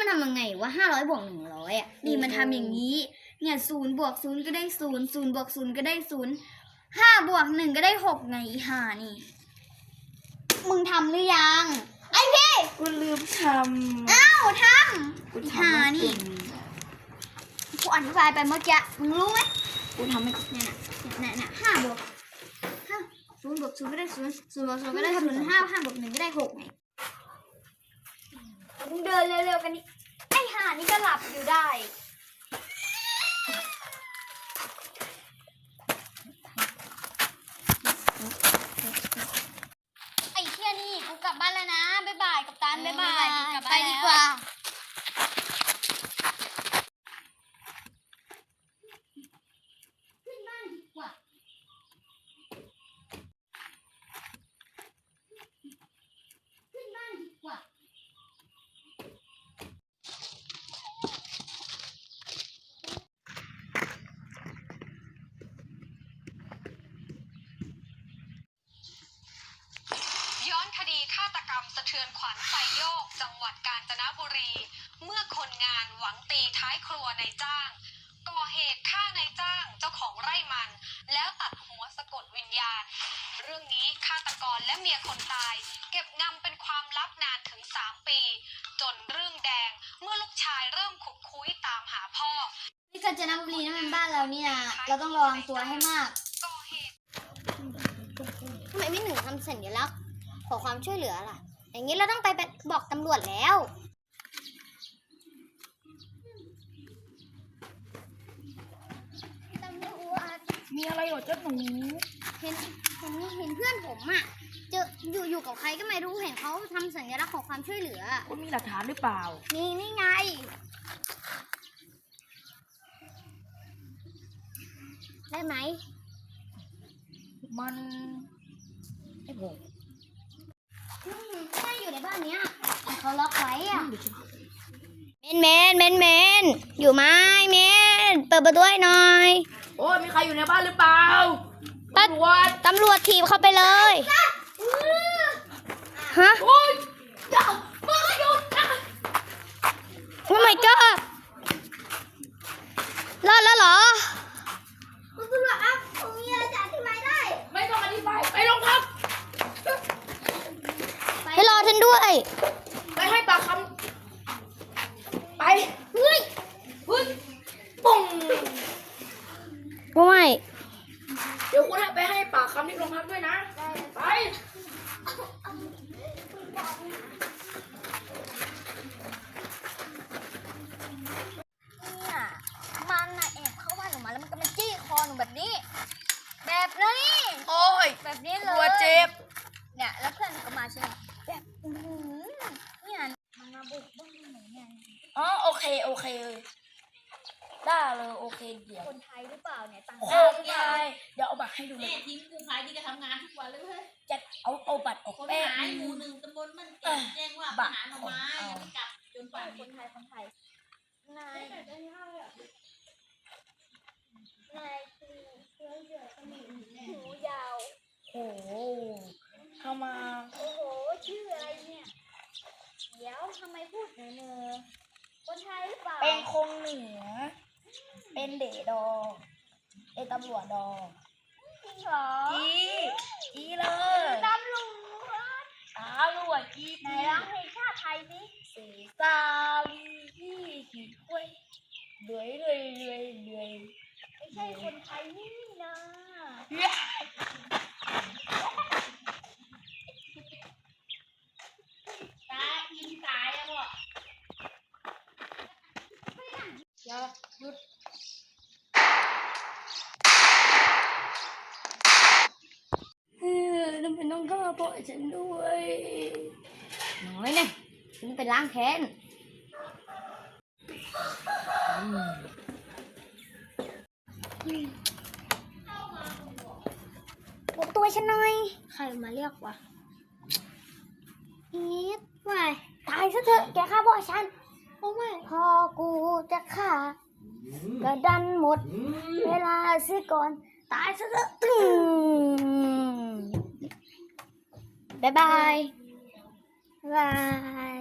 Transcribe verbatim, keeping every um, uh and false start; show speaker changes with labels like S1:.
S1: ทำยังไงว่าห้าร้อยบวกหนึ่งร้อยอ่ะนี่มันทำอย่างนี้เนี่ยศูนย์บวกศูนย์ก็ได้ศูนย์ศูนย์บวกศูนย์ก็ได้ศูนย์ห้าบวกหนึ่งก็ได้หกไงอีห่านี่มึงทำหรือยังไอ้พี่
S2: กูลืมทำ
S1: อ้าวทำ
S2: กู
S1: อี
S2: ทำ
S1: ห่านี่กูอธิบายไปเมื่อกี้มึงรู้ไหม
S2: กูทำไม่
S1: เนี่ยเนี่ยเนี่ยห้าบวกห้าศูนย์บวกศูนย์ก็ได้ศูนย์ศูนย์บวกศูนย์ก็ได้ศูนย์ห้าห้าบวกหนึ่งก็ได้หกไงมึงเดินเร็วๆกันนี่ไอ้ห่านี่ก็หลับอยู่ได้ไอ้เที่ยนี่กูกลับบ้านแล้วนะบ๊ายบายกับตันบ๊ายบายไปดีกว่า
S3: ย้อนคดีฆาตกรรมสะเทือนขวัญไซโยกจังหวัดกาญจนบุรีเมื่อคนงานหวังตีท้ายครัวนายจ้างก่อเหตุฆ่านายจ้างเจ้าของไร่มันแล้วตัดหัวสะกดวิญญาณเรื่องนี้ฆาตกรและเมียคนตายเก็บงำเป็นความลับนานถึงสามปีจนเรื่องแดงเมื่อลูกชายเริ่มขุดคุยตามหาพ่อ
S1: นี่กาญจนบุรีนั่นเป็นบ้านเรานี่นะเราต้องระวังตัวให้มากทำไมไม่หนึ่งทำสัญลักษณ์ขอความช่วยเหลือล่ะอย่างนี้เราต้องไปบอกตำรวจแล้วตำรวจ
S2: มีอะไรเหรอเจ้าหนู
S1: เห็นเห็นเห็นเพื่อนผมอ่ะเจออยู่อยู่กับใครก็ไม่รู้เห็นเขาทำสัญลักษณ์ขอความช่วยเหลือ
S2: คุณมีหลักฐานหรือเปล่า
S1: นี่นี่ไงได้ไหม
S2: มันไอ้โห
S1: ใช่อยู่ในบ้านเนี้ยเขาล็อกไว้อ่ะเมนเมนเมนเมนอยู่ไหมเมนเปิดประตูให้หน่อย
S2: โอ้ยมีใครอยู่ในบ้านหรือเปล่าตำรวจ
S1: ตำรวจถีบเข้าไปเลยฮะโอ้ยมาหยุดนะโอ้ my god รอดแล้วเหรอคุณตำรวจครับผมมีอะไรจะอธิบายได้
S2: ไม่ต้องอธิบายไปโรงพัก
S1: ให้รอท่านด้วย
S2: ไปให้ปากคำไป
S1: เฮ้ย
S2: เฮ้ยปุ้ง
S1: ไม่
S2: เดี๋ยวคุณไปให้ปากคำที่โรงพักด้วยนะไป
S1: เนี่ยมันน่ะแอบเข้าบ้านหนูมาแล้วมันก็มาจี้คอหนูแบบนี้แบบนี้
S2: โอ้ย
S1: แบบนี้เลย
S2: หัวเจ็บ
S1: เนี่ยแล้วเพื่อนก็มาใช่ไหมแบบอือเนี่ยมันมาบุกบ้านหนูเนี่ย
S2: อ๋อโอเคโอเคได้เลยโอเคเดี๋ยว
S1: คนไทยหรือเปล่าเนี่ยต่าง
S2: ชาติคนไทยเดี๋ยวเอาบัตรให้ดูเลย
S4: ทีมกู้ภัยที่จะทำงานทุกวันเลยเว้ย
S2: จะเอาเอาบัตรออก
S4: คนหายหมู่หนึ่งตำบลมันแจ้งว่าหาหน่อไม้ยังไม่กลับจนป่าน
S1: คนไทยคนไทยนายนายคือเสื้อเหลืองหูยาว
S2: โอ้โหเข้ามา
S1: โอ้โหชื่ออะไรเนี่ยเดี๋ยวทำไมพูดเหนือเนอคนไทยหรือเปล่า
S2: เป็นคงเหนือเป็นเดดอเป็นตำรวจดอ
S1: จริงเหรอ
S2: จีจีเลย
S1: ตำรวจ
S2: ตำรวจจี
S1: ไหนร้องเพลงชาติไทยสิ
S2: สีซาลีที่ขีดกล้วยเลื่อยเลื่อยเลื่อยเลื่อย
S1: ไม่ใช่คนไทยนี่นะ
S4: ตาอินตายอะพ่อ
S2: อย่าหยุดเออทำไมต้องฆ่าพ่อฉันด้วย
S1: น้อยเนี่ยฉันไปล้างแค้นปลุกตัวฉันหน่อยใครมาเรียกวะอีทไปตายซะเถอะแกฆ่าพ่อฉันโอ้ไม่พอกูจะฆ่ากระดันหมดเวลาเสียก่อนตายซะเถอะบ๊ายบายบาย